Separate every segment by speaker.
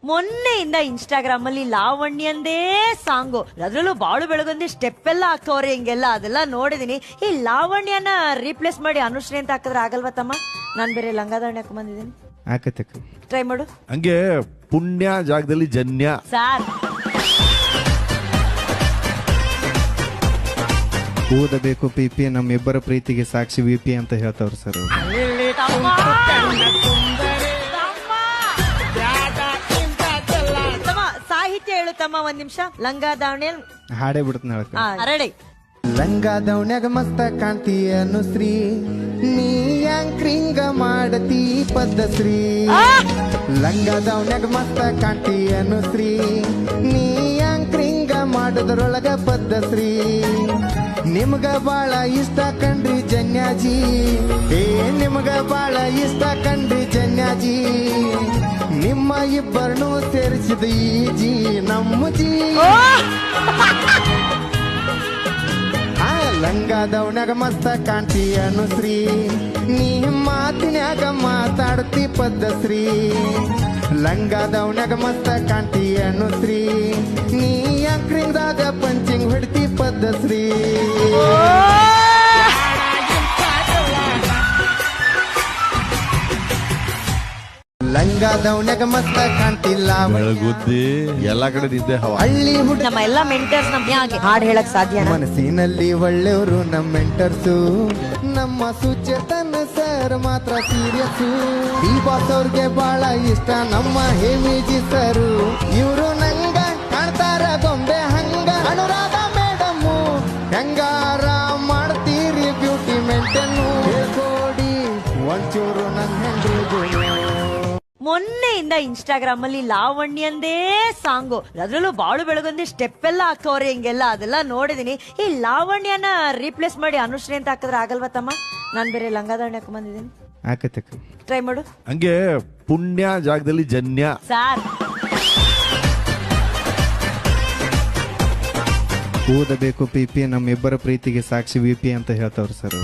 Speaker 1: ಮೊನ್ನೆಯಿಂದ Instagram ಅಲ್ಲಿ ಲಾವಣ್ಯಂದೇ song, ಅದ್ರಲ್ಲೂ ಬಾಳು ಬೆಳಗೊಂದಿ ಸ್ಟೆಪ್ ಎಲ್ಲ ಹಾಕ್ತವ್ರೆ ಹಿಂಗೆಲ್ಲ, ಅದೆಲ್ಲ ನೋಡಿದೀನಿ. ಈ ಲಾವಣ್ಯನ ರೀಪ್ಲೇಸ್ ಮಾಡಿ ಅನುಶ್ರೀ ಅಂತ ಹಾಕಿದ್ರೆ ಆಗಲ್ವಾ ತಮ್ಮ? ನಾನ್ ಬೇರೆ ಲಂಗಾದಾವಣಿ ಹಾಕೊಂಡ್ ಬಂದಿದ್ದೀನಿ,
Speaker 2: ಆಕತಕ್ಕ
Speaker 1: ಟ್ರೈ ಮಾಡು.
Speaker 3: ಹಂಗೆ ಪುಣ್ಯ ಜಾಗದಲ್ಲಿ ಜನ್ಯ
Speaker 1: ಸಾರ್
Speaker 2: ಓದಬೇಕು ಪಿಪಿ ನಮ್ಮಿಬ್ಬರ ಪ್ರೀತಿಗೆ ಸಾಕ್ಷಿ ವಿಪಿ ಅಂತ ಹೇಳ್ತಾವ್ರು ಸರ್.
Speaker 1: ಸಾಹಿತ್ಯ ಹೇಳುತ್ತಮ್ಮ ಒಂದ್ ನಿಮಿಷ. ಲಂಗಾದಾವಣಿ
Speaker 2: ಹಾಡೇ ಬಿಡ್ತಾನೆ ಹೇಳಕ್ಕ.
Speaker 1: ರೆಡಿ.
Speaker 2: ಲಂಗಾದವನ್ಯಾಗ ಮಸ್ತ ಕಾಣ್ತಿ ಅನುಶ್ರೀ, ನೀ ಯಾಂಕ್ರಿಂಗ ಮಾಡತಿ ಪದ್ಧಶ್ರೀ. ಲಂಗಾದವನ್ಯಾಗ ಮಸ್ತ ಕಾಣ್ತಿ ಅನುಶ್ರೀ, ನೀ ಯಾಂಕ್ರಿಂಗ ಮಾಡೋದ್ರೊಳಗ ಪದ್ಧಶ್ರೀ. ನಿಮ್ಗ ಬಾಳ ಇಷ್ಟ ಕಂಡ್ರಿ ಜನ್ಯಾಜಿ, ನಿಮ್ಗ ಬಾಳ ಇಷ್ಟ ಕಂಡ್ರಿ ಜನ್ಯಾಜಿ. ನಿಮ್ಮ ಇಬ್ಬರನ್ನು ಸೇರಿಸಿದ ಈ ಜಿ ನಮ್ಮ ಜಿ. ಲಂಗಾದವನ್ಯಾಗ ಮಸ್ತ ಕಾಣ್ತಿ ಅನುಶ್ರೀ, ನೀ ಮಾತಿನ್ಯಾಗ ಮಾತಾಡ್ತಿ ಪದ್ಧಶ್ರೀ. ಲಂಗಾದವನ್ಯಾಗ ಮಸ್ತ ಕಾಣ್ತಿ ಅನುಶ್ರೀ, ನೀ ಅಂಕ್ರಿಂಗ್ದಾಗ ಪಂಚಿಂಗ್ ಹೊಡ್ತಿ ಪದ್ಧಶ್ರೀ. ಲಂಗಾದವನ್ಯಾಗ ಮಸ್ತ ಕಾಣ್ತಿಲ್ಲ
Speaker 3: ಬೆಳಗುದ್ದಿ ಎಲ್ಲಾ ಕಡೆ ನಿದ್ದೆ ಹವಾ.
Speaker 1: ಹಳ್ಳಿ ಹುಡುಗ ನಮ್ಮ ಎಲ್ಲಾ ಮೆಂಟರ್ಸ್ ನಮ್ಗೆ ಹಾಡ್ ಹೇಳಕ್ ಸಾಧ್ಯ.
Speaker 2: ಮನಸ್ಸಿನಲ್ಲಿ ಒಳ್ಳೆಯವರು ನಮ್ಮ ಮೆಂಟರ್ಸು, ನಮ್ಮ ಸುಚೇತನ ಸರ್ ಮಾತ್ರ ಸೀರಿಯಸ್ಸು. ಈ ಬಾಸ್ ಅವ್ರಿಗೆ ಬಹಳ ಇಷ್ಟ ನಮ್ಮ ಹೇಮಿಜಿ ಸರು, ಇವರು ನಂಗ ಕಾಣ್ತಾರ ಗೊಂಬೆ ಹಂಗ. ಅನುರಾಧ ಮೇಡಮ್ಮು ಹೆಂಗಾರ ಮಾಡ್ತೀರಿ ಬ್ಯೂಟಿ ಮೇಂಟೈನ್, ಹೇಳ್ಕೊಡಿ ಒಂಚೂರು ನನ್ನ ಹೆಂಡ್ರಿಗೂ.
Speaker 1: ಮೊನ್ನೆಯಿಂದ ಇನ್ಸ್ಟಾಗ್ರಾಮ್ ಅಲ್ಲಿ ಲಾವಣ್ಯಂದೇ ಸಾಂಗು, ಅದ್ರಲ್ಲೂ ಬಾಳು ಬೆಳಗೊಂದಿ ಸ್ಟೆಪ್ ಎಲ್ಲ ಹಾಕ್ತವ್ರೆ ಹಿಂಗೆಲ್ಲ, ಅದೆಲ್ಲ ನೋಡಿದೀನಿ. ಈ ಲಾವಣ್ಯನ ರೀಪ್ಲೇಸ್ ಮಾಡಿ ಅನುಶ್ರೀ ಅಂತ ಹಾಕಿದ್ರೆ ಆಗಲ್ವಾ ತಮ್ಮ? ನಾನ್ ಬೇರೆ ಲಂಗಾದಾವಣಿ ಹಾಕೊಂಡ್ ಬಂದಿದ್ದೀನಿ,
Speaker 2: ಆಕತಕ್ಕ
Speaker 1: ಟ್ರೈ ಮಾಡು.
Speaker 3: ಹಂಗೆ ಪುಣ್ಯ ಜಾಗದಲ್ಲಿ ಜನ್ಯ.
Speaker 1: ಸಾರ್
Speaker 2: ಓದಬೇಕು ಪಿಪಿ ನಮ್ಮಿಬ್ಬರ ಪ್ರೀತಿಗೆ ಸಾಕ್ಷಿ ವಿಪಿ ಅಂತ ಹೇಳ್ತಾವ್ರು ಸರ್.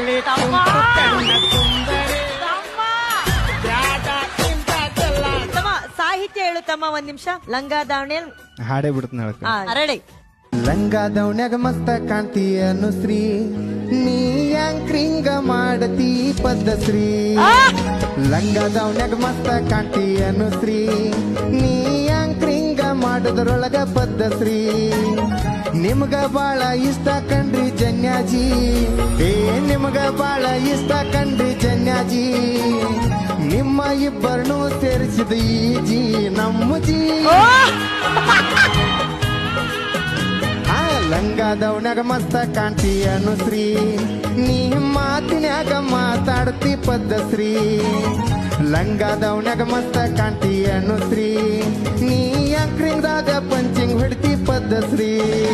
Speaker 1: ಸಾಹಿತ್ಯ ಹೇಳುತ್ತಮ್ಮ ಒಂದ್ ನಿಮಿಷ. ಲಂಗಾದಾವಣಿ
Speaker 2: ಹಾಡೇ ಬಿಡ್ತಾನೆ ಹೇಳಕ್ಕ.
Speaker 1: ರೆಡಿ.
Speaker 2: ಲಂಗಾದವನ್ಯಾಗ ಮಸ್ತ ಕಾಣ್ತಿ ಅನುಶ್ರೀ, ನೀ ಯಾಂಕ್ರಿಂಗ ಮಾಡತಿ ಪದ್ಧಶ್ರೀ. ಲಂಗಾದವನ್ಯಾಗ ಮಸ್ತ ಕಾಣ್ತಿ ಅನುಶ್ರೀ, ನೀ ಯಾಂಕ್ರಿಂಗ ಮಾಡೋದ್ರೊಳಗ ಪದ್ಧಶ್ರೀ. ನಿಮ್ಗ ಬಾಳ ಇಷ್ಟ ಕಂಡ್ರಿ ಜನ್ಯಾಜಿ, ನಿಮ್ಗ ಬಾಳ ಇಷ್ಟ ಕಂಡ್ರಿ ಜನ್ಯಾಜಿ. ನಿಮ್ಮ ಇಬ್ಬರನ್ನು ಸೇರಿಸಿದ ಈ ಜಿ ನಮ್ಮ ಜಿ. ಲಂಗಾದವನ್ಯಾಗ ಮಸ್ತ ಕಾಣ್ತಿ ಅನುಶ್ರೀ, ನೀ ಮಾತಿನ್ಯಾಗ ಮಾತಾಡ್ತಿ ಪದ್ಧಶ್ರೀ. ಲಂಗಾದವನ್ಯಾಗ ಮಸ್ತ ಕಾಣ್ತಿ ಅನುಶ್ರೀ, ನೀ ಅಂಕ್ರಿಂಗ್ದಾಗ ಪಂಚಿಂಗ್ ಹೊಡ್ತಿ ಪದ್ಧಶ್ರೀ.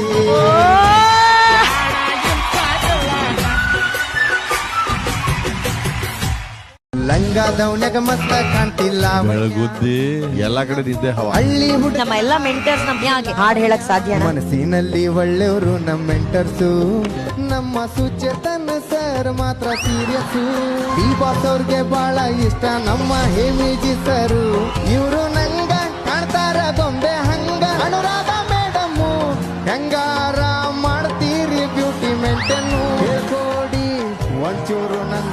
Speaker 2: ಲಂಗಾದವನ್ಯಾಗ ಮಸ್ತ ಕಾಣ್ತಿಲ್ಲ
Speaker 3: ಬೆಳಗುದ್ದಿ ಎಲ್ಲಾ ಕಡೆ ನಿದ್ದೆ ಹವಾ.
Speaker 1: ಹಳ್ಳಿ ಹುಡುಗ ನಮ್ಮ ಎಲ್ಲಾ ಮೆಂಟರ್ಸ್ ನಮ್ಗೆ ಹಾಡ್ ಹೇಳಕ್ ಸಾಧ್ಯ.
Speaker 2: ಮನಸ್ಸಿನಲ್ಲಿ ಒಳ್ಳೆಯವರು ನಮ್ಮ ಮೆಂಟರ್ಸು, ನಮ್ಮ ಸುಚೇತನ ಸರ್ ಮಾತ್ರ ಸೀರಿಯಸ್ಸು. ಈ ಬಾಸ್ ಅವ್ರಿಗೆ ಬಹಳ ಇಷ್ಟ ನಮ್ಮ ಹೇಮಿಜಿ ಸರು, ಇವರು ನಂಗ ಕಾಣ್ತಾರ ಗೊಂಬೆ ಹಂಗ. ಅನುರಾಧ ಮೇಡಮ್ಮು ಹೆಂಗಾರ ಮಾಡ್ತೀರಿ ಬ್ಯೂಟಿ ಮೇಂಟೈನ್, ಹೇಳ್ಕೊಡಿ ಒಂಚೂರು ನನ್ನ